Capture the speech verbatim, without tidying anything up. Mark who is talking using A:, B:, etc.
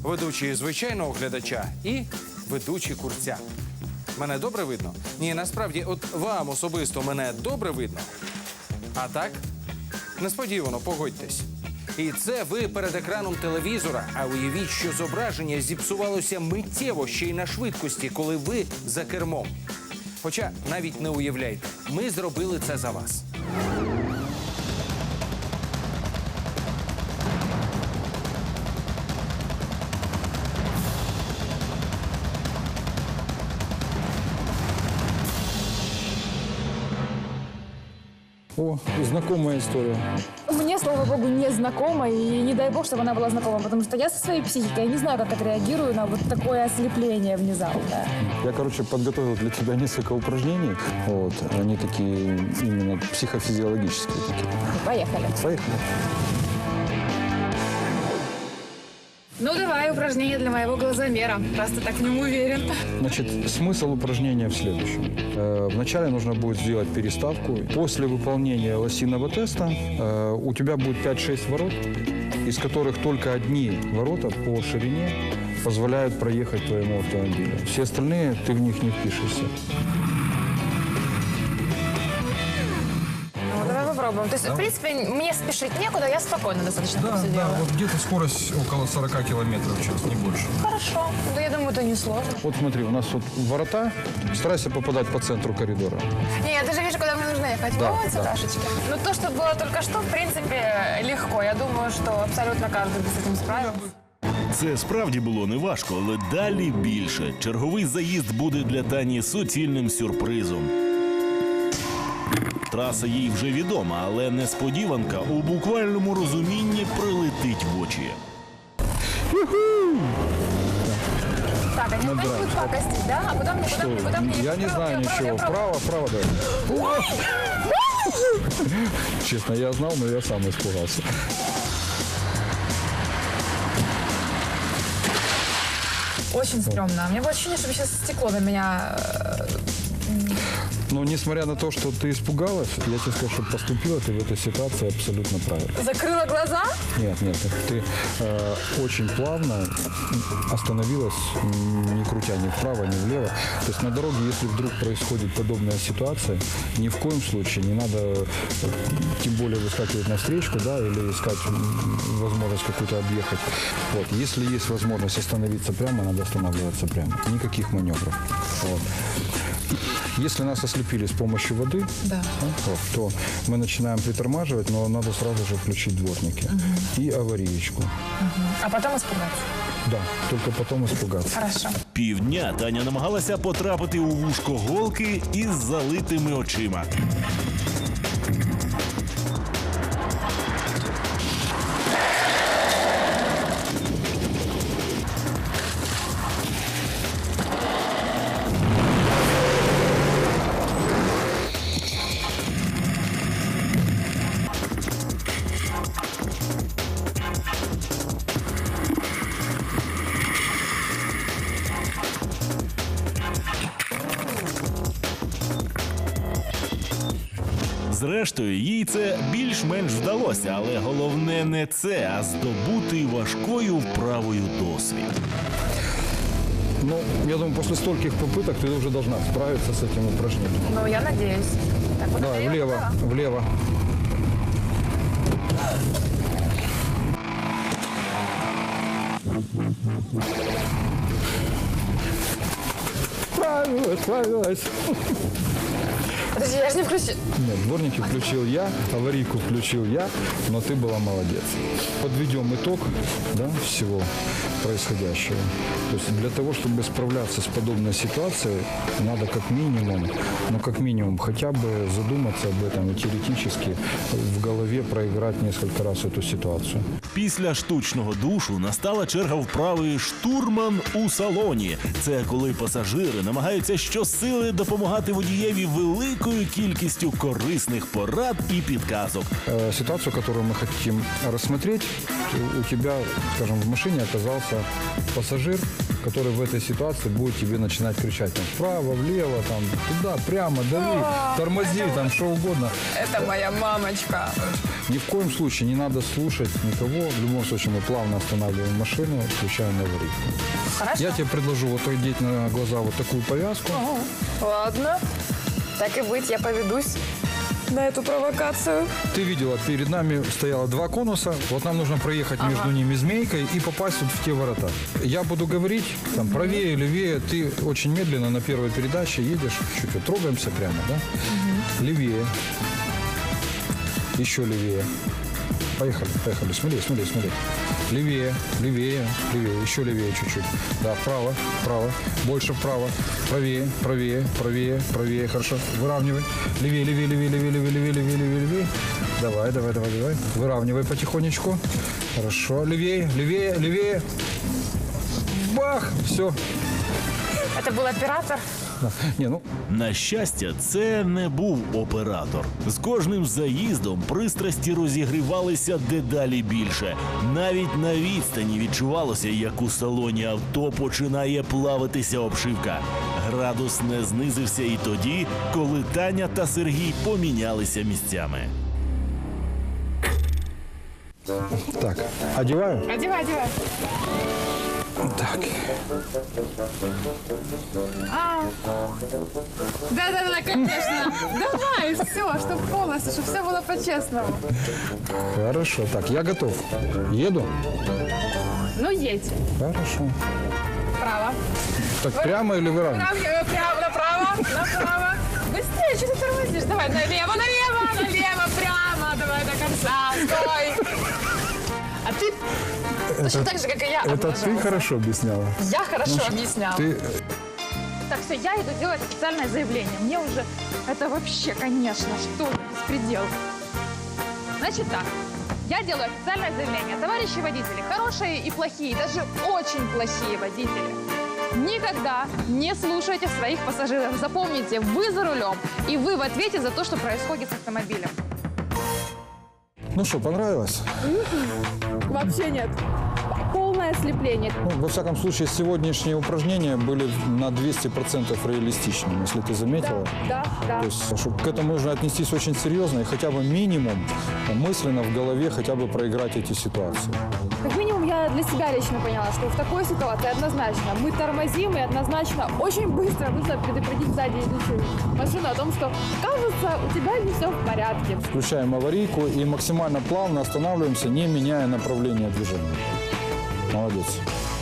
A: Ведучий звичайного глядача і ведучий курця. Мене добре видно? Ні, насправді, от вам особисто мене добре видно. А так? Несподівано, погодьтесь. І це ви перед екраном телевізора, а уявіть, що зображення зіпсувалося миттєво ще й на швидкості, коли ви за кермом. Хоча навіть не уявляйте, ми зробили це за вас.
B: О, знакомая история.
C: Мне, слава богу, не знакома, и не дай бог, чтобы она была знакома, потому что я со своей психикой я не знаю, как отреагирую на вот такое ослепление внезапное.
B: Я, короче, подготовил для тебя несколько упражнений. Вот, они такие именно психофизиологические такие.
C: Поехали.
B: Поехали.
C: Ну, давай упражнение для моего глазомера. Просто так в нем уверен.
B: Значит, смысл упражнения в следующем. Э, Вначале нужно будет сделать переставку. После выполнения лосиного теста э, у тебя будет пять-шесть ворот, из которых только одни ворота по ширине позволяют проехать твоему автомобилю. Все остальные, ты в них не впишешься.
C: Ну, давай попробуем. То есть, в принципе, мне спешить некуда, я спокойно достаточно
D: Да,
C: все
D: да,
C: делаю.
D: вот где-то скорость около сорока километров в час, не больше.
C: Хорошо. Да я думаю, это не сложно.
B: Вот смотри, у нас вот ворота. Старайся попадать по центру коридора.
C: Не, я даже вижу, куда мне нужно ехать.
B: Да,
C: вот,
B: да.
C: сюдашечки. Ну, то, что было только что, в принципе, легко. Я думаю, что абсолютно каждый бы с этим справился.
E: Це справді було неважко, але далі більше. Черговий заїзд буде для Тані суцільним сюрпризом. Траса їй вже відома, але несподіванка у буквальному розумінні прилетить в очі.
C: Так, они опять будут пакостить, да? А куда мне, куда мне, куда мне?
B: Я не знаю ничего. Право, право, да. Честно, я знал, но я сам испугался.
C: Очень стрёмно. У меня было ощущение, что сейчас стекло на меня...
B: Но несмотря на то, что ты испугалась, я тебе скажу, что поступила ты в этой ситуации абсолютно правильно.
C: Закрыла глаза?
B: Нет, нет, ты э, очень плавно остановилась, не крутя ни вправо, ни влево. То есть на дороге, если вдруг происходит подобная ситуация, ни в коем случае не надо, э, тем более выскакивать на встречку, да, или искать возможность какую-то объехать. Вот. Если есть возможность остановиться прямо, надо останавливаться прямо. Никаких маневров. Вот. Если нас ослепили с помощью воды,
C: Да.
B: вот, то мы начинаем притормаживать, но надо сразу же включить дворники и авариечку.
C: А потом испугаться.
B: Да, только потом испугаться.
C: Хорошо.
E: Півдня Таня намагалася потрапити у вушко голки із залитими очима. Зрештою, їй це більш-менш вдалося, але головне не це, а здобути важкою вправою досвід.
B: Ну, я думаю, после стольких попыток ты уже должна справиться с этим упражнением.
C: Ну, я надеюсь. Так, вот
B: Давай,
C: это я
B: влево,
C: поняла.
B: влево. Справилась, справилась.
C: Подожди, я же не включила.
B: Нет, дворники включил я, аварийку включил я, но ты была молодец. Подведем итог, да, всего происходящего. То есть для того, чтобы справляться с подобной ситуацией, надо как минимум, ну как минимум хотя бы задуматься об этом и теоретически в голове проиграть несколько раз эту ситуацию.
E: Після штучного душу настала черга вправи «штурман у салоні». Це коли пасажири намагаються щосили допомагати водієві великої великою кількістю корисних порад і підказок.
B: Э, Ситуацию, которую мы хотим рассмотреть, у тебя, скажем, в машине оказался пассажир, который в этой ситуации будет тебе начинать кричать там, вправо, влево, там, туда, прямо, дави, тормози, там, что угодно.
C: Это моя мамочка.
B: Ни в коем случае не надо слушать никого. В любом случае мы плавно останавливаем машину, включаем аварийку.
C: Хорошо.
B: Я тебе предложу вот одеть на глаза вот такую повязку.
C: Ладно. Так и быть, я поведусь на эту провокацию.
B: Ты видела, перед нами стояло два конуса. Вот нам нужно проехать между ними змейкой и попасть вот в те ворота. Я буду говорить, там, правее, левее. Ты очень медленно на первой передаче едешь. Чуть-чуть трогаемся прямо, да? Левее. Еще левее. Поехали, поехали. Смотри, смотри, смотри. Левее, левее, левее. Еще левее чуть-чуть. Да, вправо, вправо. Больше вправо. Правее, правее, правее, правее. Хорошо. Выравнивай. Левее, левее, левее, левее, левее, левее, левее, левее, левее. Давай, давай, давай, давай. Выравнивай потихонечку. Хорошо. Левее, левее, левее. Бах! Все.
C: Это был оператор.
B: Не, ну,
E: На щастя, це не був оператор. З кожним заїздом пристрасті розігрівалися дедалі більше. Навіть на відстані відчувалося, як у салоні авто починає плавитися обшивка. Градус не знизився і тоді, коли Таня та Сергій помінялися місцями.
B: так, одеваю.
C: Одевай, одевай.
B: Так.
C: А. Да-да-да, конечно. Давай, все, чтобы полностью, чтобы все было по-честному.
B: Хорошо. Так, я готов. Еду?
C: Ну, едь.
B: Хорошо.
C: Право.
B: Так прямо или выравнивать?
C: Прямо, прямо, направо, направо. Быстрее, что ты тормозишь? Давай, налево, налево, налево, прямо. Давай до конца, стой. А ты точно так же, как и я,
B: Это ты
C: облажался.
B: хорошо объясняла.
C: Я хорошо объясняла.
B: Ты
C: Так, все, я иду делать официальное заявление. Мне уже это вообще, конечно, что за беспредел. Значит так, я делаю официальное заявление. Товарищи водители, хорошие и плохие, даже очень плохие водители, никогда не слушайте своих пассажиров. Запомните, вы за рулем, и вы в ответе за то, что происходит с автомобилем.
B: Ну что, понравилось?
C: Вообще нет. Полное ослепление.
B: Ну, во всяком случае, сегодняшние упражнения были на двести процентов реалистичными, если ты заметила.
C: Да, да.
B: То есть, что к этому нужно отнестись очень серьезно и хотя бы минимум мысленно в голове хотя бы проиграть эти ситуации.
C: Как минимум, я для себя лично поняла, что в такой ситуации однозначно мы тормозим, и однозначно очень быстро нужно предупредить сзади идущую машину о том, что, кажется, у тебя не все в порядке.
B: Включаем аварийку и максимально плавно останавливаемся, не меняя направление движения. Молодец.